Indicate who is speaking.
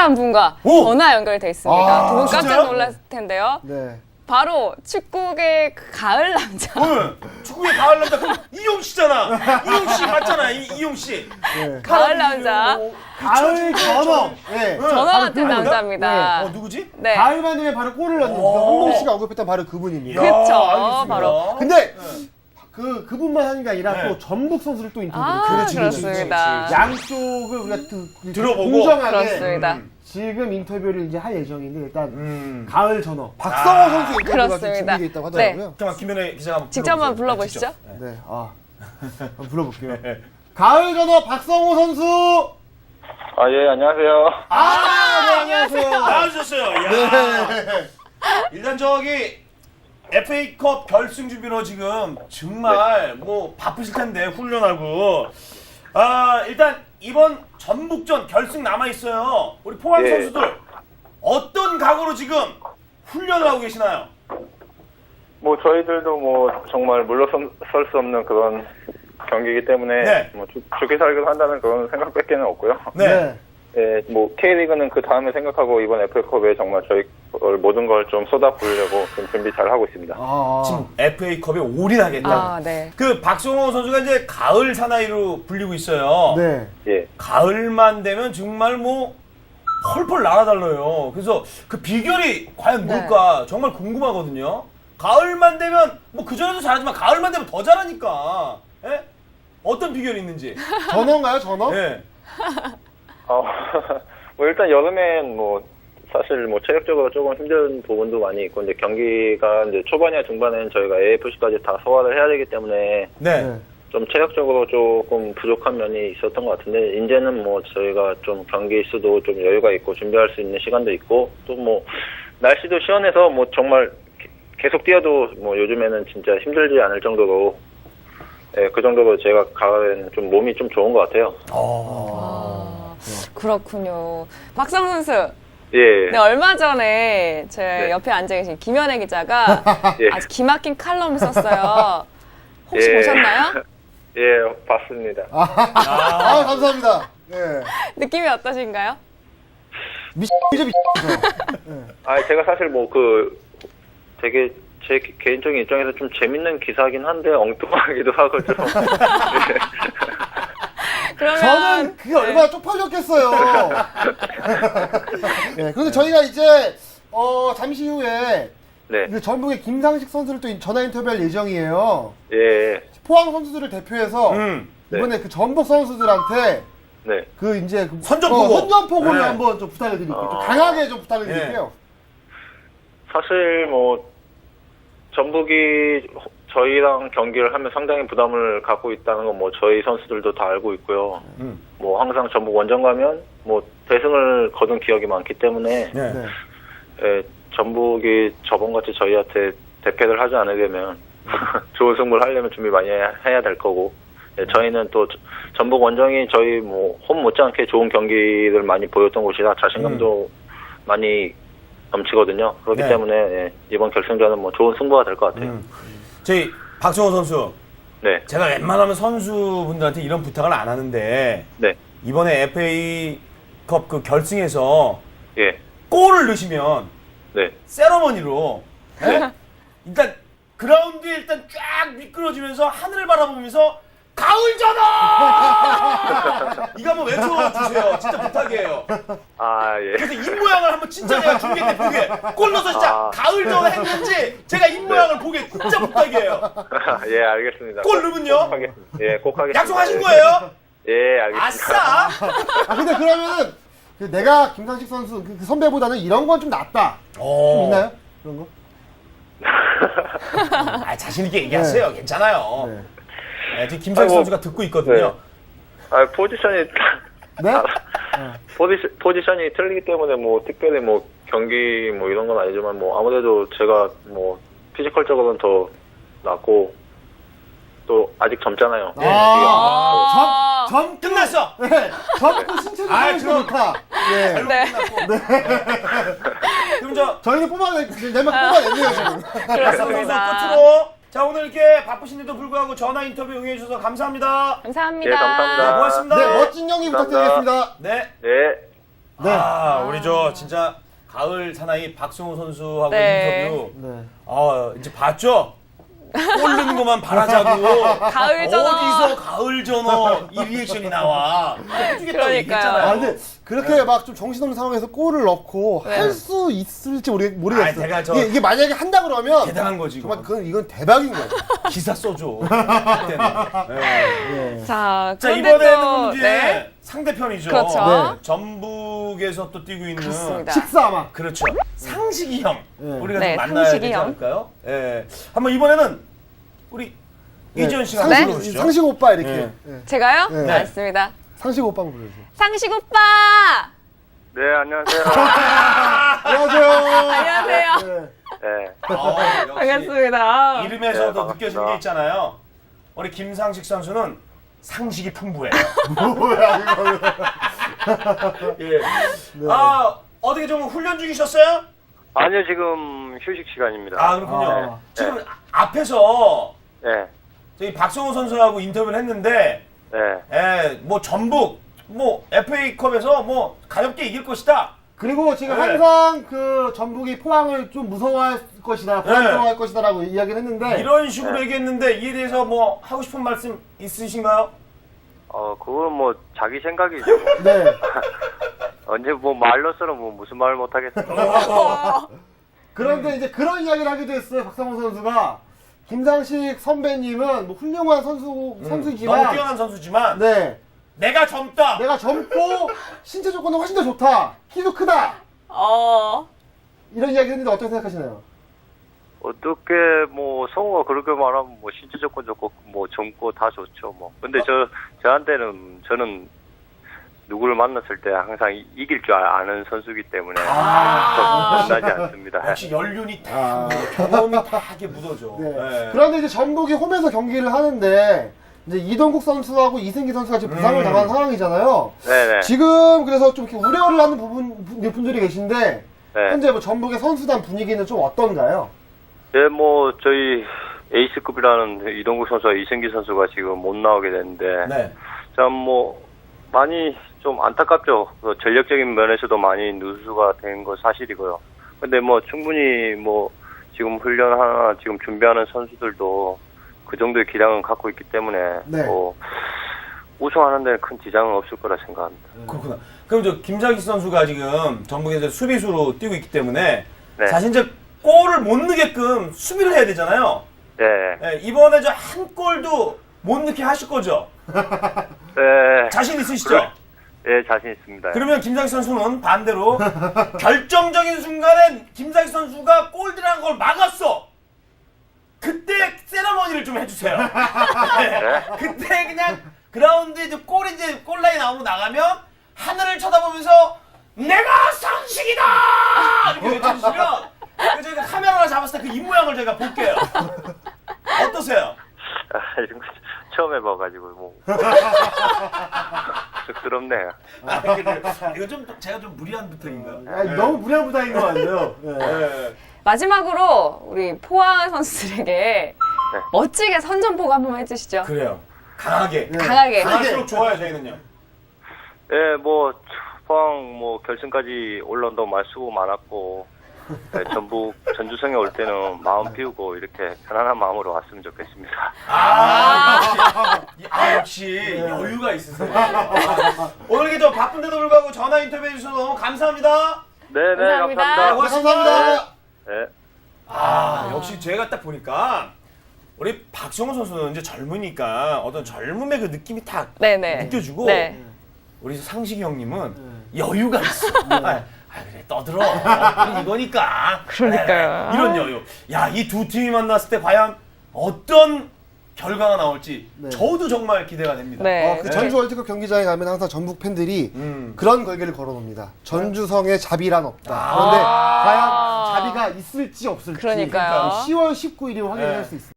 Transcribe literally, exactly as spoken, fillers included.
Speaker 1: 특별한 분과 오! 전화 연결돼 있습니다.
Speaker 2: 아,
Speaker 1: 두 분 깜짝
Speaker 2: 진짜요?
Speaker 1: 놀랐을 텐데요.
Speaker 2: 네.
Speaker 1: 바로 축구계 그 가을 남자.
Speaker 3: 응. 축구의 가을 남자 그럼 이용 씨잖아. 이용 씨 맞잖아. 이, 이용 씨.
Speaker 2: 네.
Speaker 1: 가을 남자.
Speaker 2: 가을 전어. 네.
Speaker 1: 전화 같은
Speaker 2: 그분이다?
Speaker 1: 남자입니다.
Speaker 3: 어 누구지?
Speaker 1: 네.
Speaker 2: 가을만 되면 바로 골을 넣는 홍범 씨가 언급했던 바로 그분입니다.
Speaker 1: 그쵸.
Speaker 3: 알겠습니다.
Speaker 1: 바로.
Speaker 2: 근데 그 그분만 하는 게 아니라
Speaker 3: 네.
Speaker 2: 또 전북 선수를 또 인터뷰를
Speaker 1: 아,
Speaker 2: 그렇지,
Speaker 1: 그렇습니다.
Speaker 2: 양쪽을 우리가 또
Speaker 3: 들어보고.
Speaker 2: 공정하게
Speaker 1: 그렇습니다.
Speaker 3: 음.
Speaker 2: 지금 인터뷰를 이제 할 예정인데 일단
Speaker 3: 음.
Speaker 2: 가을 전어 박성호
Speaker 3: 아,
Speaker 2: 선수 인터뷰가 좀
Speaker 1: 그렇습니다.
Speaker 2: 준비되어 있다고 하더라고요.
Speaker 3: 잠깐 김현애 기자가 한번
Speaker 1: 직접 한번
Speaker 3: 불러보세요.
Speaker 1: 불러보시죠.
Speaker 3: 네, 직접.
Speaker 2: 네, 아 한번 불러볼게요. 가을 전어 박성호 선수.
Speaker 4: 아, 예, 안녕하세요.
Speaker 2: 아, 네, 안녕하세요.
Speaker 3: 나와주셨어요. 야.
Speaker 2: 네.
Speaker 3: 일단 저기 에프에이컵 결승 준비로 지금 정말 뭐 바쁘실 텐데 훈련하고 아 일단 이번 전북전 결승 남아 있어요. 우리 포항
Speaker 4: 예.
Speaker 3: 선수들 어떤 각오로 지금 훈련을 하고 계시나요?
Speaker 4: 뭐, 저희들도 뭐, 정말 물러설 수 없는 그런 경기이기 때문에,
Speaker 3: 네.
Speaker 4: 뭐, 죽, 죽기 살기로 한다는 그런 생각밖에는 없고요.
Speaker 3: 네.
Speaker 4: 예, 뭐, K리그는 그 다음에 생각하고, 이번 에프에이컵에 정말 저희 모든 걸 좀 쏟아부으려고 좀 준비 잘 하고 있습니다.
Speaker 2: 아,
Speaker 3: 지금 에프에이컵에 올인하겠다.
Speaker 1: 아, 네.
Speaker 3: 그 박성호 선수가 이제 가을 사나이로 불리고 있어요.
Speaker 2: 네.
Speaker 4: 예.
Speaker 3: 가을만 되면 정말 뭐 펄펄 날아달라요. 그래서 그 비결이 과연
Speaker 1: 네.
Speaker 3: 뭘까 정말 궁금하거든요. 가을만 되면 뭐 그전에도 잘하지만 가을만 되면 더 잘하니까. 예? 어떤 비결이 있는지.
Speaker 2: 전어인가요, 전어?
Speaker 3: 예.
Speaker 4: 어, 뭐, 일단 여름엔 뭐, 사실 뭐, 체력적으로 조금 힘든 부분도 많이 있고, 이제 경기가 이제 초반이나 중반에는 저희가 에이에프씨까지 다 소화를 해야 되기 때문에,
Speaker 3: 네.
Speaker 2: 네.
Speaker 4: 좀 체력적으로 조금 부족한 면이 있었던 것 같은데 이제는 뭐 저희가 좀 경기 수도 좀 여유가 있고 준비할 수 있는 시간도 있고 또 뭐 날씨도 시원해서 뭐 정말 계속 뛰어도 뭐 요즘에는 진짜 힘들지 않을 정도로 예, 그 정도로 제가 가을에는 좀 몸이 좀 좋은 것 같아요.
Speaker 1: 아, 그렇군요. 박성 선수.
Speaker 4: 예.
Speaker 1: 네, 얼마 전에 제
Speaker 4: 네.
Speaker 1: 옆에 앉아 계신 김현애 기자가
Speaker 4: 예.
Speaker 1: 아주 기막힌 칼럼을 썼어요. 혹시
Speaker 4: 예.
Speaker 1: 보셨나요?
Speaker 4: 예, 봤습니다.
Speaker 2: 아, 아, 감사합니다. 네.
Speaker 1: 느낌이 어떠신가요?
Speaker 2: 미친이죠, 미친이죠.
Speaker 4: 아, 제가 사실 뭐 그 되게 제 개- 개인적인 입장에서 좀 재밌는 기사긴 한데 엉뚱하기도 하고 좀. 예.
Speaker 1: 그러면
Speaker 2: 저는 그게 얼마나 쪽팔렸겠어요. 네, 그런데 저희가 이제 어, 잠시 후에
Speaker 4: 네.
Speaker 2: 그 전북의 김상식 선수를 또 전화 인터뷰할 예정이에요.
Speaker 4: 예.
Speaker 2: 포항 선수들을 대표해서
Speaker 3: 음.
Speaker 2: 이번에 그 전북 선수들한테
Speaker 4: 네.
Speaker 2: 그 이제 그
Speaker 3: 선전포고.
Speaker 2: 어, 선전포고를
Speaker 3: 네.
Speaker 2: 한번 좀 부탁을 드릴게요. 좀
Speaker 4: 어.
Speaker 2: 강하게 좀 부탁을
Speaker 3: 네.
Speaker 2: 드릴게요.
Speaker 4: 사실 뭐 전북이 저희랑 경기를 하면 상당히 부담을 갖고 있다는 건 뭐 저희 선수들도 다 알고 있고요.
Speaker 3: 음.
Speaker 4: 뭐 항상 전북 원정 가면 뭐 대승을 거둔 기억이 많기 때문에
Speaker 3: 네.
Speaker 2: 네.
Speaker 4: 예, 전북이 저번같이 저희한테 대패를 하지 않으려면 좋은 승부를 하려면 준비 많이 해야, 해야 될 거고 예, 저희는 또 전북 원정이 저희 뭐 홈 못지않게 좋은 경기를 많이 보였던 곳이라 자신감도 많이 넘치거든요. 그렇기
Speaker 3: 네.
Speaker 4: 때문에 예, 이번 결승전은 뭐 좋은 승부가 될 것 같아요.
Speaker 3: 음. 저희 박성호 선수
Speaker 4: 네,
Speaker 3: 제가 웬만하면 선수분들한테 이런 부탁을 안 하는데
Speaker 4: 네,
Speaker 3: 이번에 에프에이컵 그 결승에서
Speaker 4: 예,
Speaker 3: 골을 넣으시면
Speaker 4: 네.
Speaker 3: 세러머니로 예? 일단 그라운드에 일단 쫙 미끄러지면서 하늘을 바라보면서 가을 전화 이거 한번 외쳐주세요. 진짜 부탁이에요.
Speaker 4: 아, 예.
Speaker 3: 그래서 입 모양을 한번 진짜 제가 중계 때 보게 골 넣어서 진짜
Speaker 4: 아.
Speaker 3: 가을 전화 했는지 제가 입 모양을 보게 진짜 부탁이에요.
Speaker 4: 예, 알겠습니다.
Speaker 3: 골 넣으면요?
Speaker 4: 꼭 하겠습니다. 예, 꼭 하겠습니다.
Speaker 3: 약속하신 거예요?
Speaker 4: 예, 알겠습니다.
Speaker 3: 아싸!
Speaker 2: 아 근데 그러면은 그 내가 김상식 선수 그, 그 선배보다는 이런 건 좀 낫다. 좀
Speaker 3: 오.
Speaker 2: 있나요? 그런 거?
Speaker 3: 아, 자신 있게 얘기하세요. 괜찮아요.
Speaker 2: 네.
Speaker 3: 네, 지금 김상희
Speaker 4: 아이고,
Speaker 3: 선수가 듣고 있거든요.
Speaker 4: 네. 아, 포지션이
Speaker 2: 네?
Speaker 4: 아, 포지션, 포지션이 틀리기 때문에 뭐 특별히 뭐 경기 뭐 이런 건 아니지만 뭐 아무래도 제가 뭐 피지컬적으로는 더 낫고 또 아직 젊잖아요.
Speaker 2: 아, 점, 점,
Speaker 3: 끝났어.
Speaker 2: 네, 점프 신체적으로
Speaker 3: 아,
Speaker 2: 좀
Speaker 3: 그럼-
Speaker 2: 좋다. 예.
Speaker 1: 네.
Speaker 3: 그럼 저
Speaker 2: 저희는 뽑아내, 내만 뽑아냈네요, 지금.
Speaker 3: 박성호 선수
Speaker 1: 그렇습니다.
Speaker 3: 끝으로 자 오늘 이렇게 바쁘신데도 불구하고 전화 인터뷰 응해주셔서 감사합니다.
Speaker 1: 감사합니다.
Speaker 4: 예, 감사합니다.
Speaker 3: 네, 고맙습니다.
Speaker 2: 네, 멋진 경기
Speaker 4: 감사합니다.
Speaker 2: 부탁드리겠습니다.
Speaker 3: 네.
Speaker 4: 네.
Speaker 2: 네.
Speaker 3: 아, 우리 저 진짜 가을 사나이 박성호 선수하고
Speaker 1: 네.
Speaker 3: 인터뷰.
Speaker 2: 네.
Speaker 3: 아, 이제 봤죠? 꼴른 것만 바라자고.
Speaker 1: 가을 전어.
Speaker 3: 어디서 가을 전어 이 리액션이 나와. 해주겠다고
Speaker 1: 그러니까요.
Speaker 3: 얘기했잖아요.
Speaker 2: 아 근데 그렇게 막 좀 정신없는 상황에서 골을 넣고
Speaker 1: 네.
Speaker 2: 할 수 있을지 모르, 모르겠어요.
Speaker 3: 아니, 제가 저-
Speaker 2: 이게, 이게 만약에 한다 그러면
Speaker 3: 대단한 거지. 이거.
Speaker 2: 정말 그건 이건 대박인 거예요.
Speaker 3: 기사 써줘. 그때는. 네.
Speaker 2: 네.
Speaker 1: 자,
Speaker 3: 자,
Speaker 1: 그런데
Speaker 3: 이번에는
Speaker 1: 또,
Speaker 3: 이제
Speaker 1: 네.
Speaker 3: 상대편이죠.
Speaker 1: 그렇죠.
Speaker 2: 네.
Speaker 3: 전북에서 또 뛰고 있는
Speaker 1: 그렇습니다.
Speaker 2: 식사 아마.
Speaker 3: 그렇죠. 상식이 형.
Speaker 2: 네.
Speaker 3: 우리가
Speaker 1: 네,
Speaker 3: 좀 만나야
Speaker 1: 상식이
Speaker 3: 되지
Speaker 1: 형.
Speaker 3: 않을까요? 예. 한번 이번에는 우리
Speaker 2: 네.
Speaker 3: 이지현 씨가
Speaker 2: 상식,
Speaker 3: 한번 불러주시죠.
Speaker 2: 상식 오빠 이렇게.
Speaker 3: 네.
Speaker 2: 네.
Speaker 1: 제가요?
Speaker 2: 네.
Speaker 1: 맞습니다.
Speaker 2: 상식 오빠 한번 불러주세요.
Speaker 1: 상식 오빠!
Speaker 4: 네, 안녕하세요.
Speaker 2: 안녕하세요.
Speaker 1: 안녕하세요.
Speaker 2: 네.
Speaker 4: 네.
Speaker 3: 어, 역시
Speaker 1: 반갑습니다.
Speaker 3: 이름에서도
Speaker 4: 네,
Speaker 3: 느껴지는
Speaker 4: 반갑습니다.
Speaker 3: 게 있잖아요. 우리 김상식 선수는 상식이 풍부해요.
Speaker 2: 뭐야 이거.
Speaker 3: 예. 아, 어떻게 좀 훈련 중이셨어요?
Speaker 4: 아니요, 지금 휴식 시간입니다.
Speaker 3: 아, 그렇군요.
Speaker 2: 아.
Speaker 3: 지금 앞에서
Speaker 4: 네,
Speaker 3: 저희 박성호 선수하고 인터뷰를 했는데,
Speaker 4: 네.
Speaker 3: 예, 뭐 전북, 뭐 에프에이컵에서 뭐 가볍게 이길 것이다.
Speaker 2: 그리고 지금
Speaker 3: 네.
Speaker 2: 항상 그 전북이 포항을 좀 무서워할 것이다, 불안정할
Speaker 3: 네.
Speaker 2: 것이다라고 이야기를 했는데
Speaker 3: 이런 식으로 얘기했는데 이에 대해서 뭐 하고 싶은 말씀 있으신가요?
Speaker 4: 어, 그건 뭐 자기 생각이죠. 뭐.
Speaker 2: 네.
Speaker 4: 언제 뭐 말로서는 뭐 무슨 말을 못 하겠어요.
Speaker 2: 그런데 이제 그런 이야기를 하기도 했어요. 박상호 선수가 김상식 선배님은 뭐 훌륭한 선수
Speaker 3: 너무
Speaker 2: 선수지만
Speaker 3: 뛰어난 선수지만
Speaker 2: 네.
Speaker 3: 내가 젊다.
Speaker 2: 내가 젊고 신체 조건은 훨씬 더 좋다. 키도 크다.
Speaker 1: 어.
Speaker 2: 이런 이야기 했는데 어떻게 생각하시나요?
Speaker 4: 어떻게 뭐 성우가 그렇게 말하면 뭐 신체 조건 좋고 뭐 젊고 다 좋죠 뭐. 근데 저 저한테는 저는 누구를 만났을 때 항상 이- 이길 줄 아- 아는 선수이기 때문에
Speaker 3: 아.
Speaker 4: 좀 변하지 않습니다.
Speaker 3: 역시 연륜이 다
Speaker 2: 아.
Speaker 3: 묻어, 경험이 다 이렇게 묻어져.
Speaker 2: 네.
Speaker 3: 네.
Speaker 2: 그런데 이제 전북이 홈에서 경기를 하는데 이제 이동국 선수하고 이승기 선수가 지금 부상을
Speaker 3: 음.
Speaker 2: 당한 상황이잖아요.
Speaker 4: 네네.
Speaker 2: 지금 그래서 좀 이렇게 우려를 하는 부분 분- 분들이 계신데
Speaker 4: 네.
Speaker 2: 현재 뭐 전북의 선수단 분위기는 좀 어떤가요?
Speaker 4: 네, 뭐 저희 에이스급이라는 이동국 선수와 이승기 선수가 지금 못 나오게 됐는데
Speaker 3: 네.
Speaker 4: 참 뭐 많이 좀 안타깝죠. 그 전력적인 면에서도 많이 누수가 된 거 사실이고요. 근데 뭐 충분히 뭐 지금 훈련 하나 지금 준비하는 선수들도 그 정도의 기량은 갖고 있기 때문에
Speaker 2: 네.
Speaker 4: 뭐 우승하는 데는 큰 지장은 없을 거라 생각합니다.
Speaker 3: 그렇구나. 그럼 저 김상식 선수가 지금 전북에서 수비수로 뛰고 있기 때문에
Speaker 4: 네.
Speaker 3: 사실 이제 골을 못 넣게끔 수비를 해야 되잖아요.
Speaker 4: 네.
Speaker 3: 네, 이번에 저 한 골도 못 넣게 하실 거죠?
Speaker 4: 네.
Speaker 3: 자신 있으시죠?
Speaker 4: 그래. 네, 자신 있습니다.
Speaker 3: 그러면 김상식 선수는 반대로 결정적인 순간에 김상식 선수가 골 들어간 걸 막았어. 그때 세레머니를 좀 해주세요. 네. 그때 그냥 그라운드에 이제 골이 이제 골라인 나오고 나가면 하늘을 쳐다보면서 내가 상식이다 이렇게 외쳐주시면 그 저희가 카메라 하나 잡았을 때 그 입모양을 저희가 볼게요. 어떠세요?
Speaker 4: 아, 이런 거 처음 해봐가지고 뭐 쑥스럽네요.
Speaker 3: 아, 그래요. 이거 좀 제가 좀 무리한 부탁인가요?
Speaker 2: 아, 너무 무리한 부담인 것 같네요. 네.
Speaker 3: 네.
Speaker 1: 마지막으로 우리 포항 선수들에게 멋지게 선전포고 한 번만 해주시죠.
Speaker 3: 그래요. 강하게.
Speaker 2: 네.
Speaker 1: 강하게.
Speaker 3: 강할수록 좋아요 저희는요.
Speaker 4: 네, 뭐 포항 뭐 결승까지 올라온다고 말 수고 많았고 네, 전북 전주성에 올 때는 마음 비우고 이렇게 편안한 마음으로 왔으면 좋겠습니다.
Speaker 3: 아, 역시, 아, 역시 여유가 있으세요. 아, 오늘 이렇게 저 바쁜데도 불구하고 전화 인터뷰 해주셔서 너무 감사합니다.
Speaker 4: 네, 네,
Speaker 1: 감사합니다.
Speaker 4: 감사합니다.
Speaker 2: 고맙습니다.
Speaker 4: 네.
Speaker 3: 아, 역시 제가 딱 보니까 우리 박성호 선수는 이제 젊으니까 어떤 젊음의 그 느낌이 딱
Speaker 1: 네네.
Speaker 3: 느껴지고
Speaker 1: 네.
Speaker 3: 우리 상식이 형님은 여유가 있어. 아, 아, 그래 떠들어. 우리 이거니까.
Speaker 1: 그러니까요.
Speaker 3: 네, 이런 여유. 야, 이 두 팀이 만났을 때 과연 어떤 결과가 나올지
Speaker 2: 네.
Speaker 3: 저도 정말 기대가 됩니다.
Speaker 1: 네.
Speaker 2: 어, 그 전주 월드컵 경기장에 가면 항상 전북 팬들이
Speaker 3: 음.
Speaker 2: 그런 걸개를 걸어놓습니다. 전주성에 자비란 없다. 그런데
Speaker 1: 아.
Speaker 2: 과연 자비가 있을지 없을지
Speaker 1: 그러니까요.
Speaker 2: 시월 십구일이 확인할
Speaker 3: 네.
Speaker 2: 수 있습니다.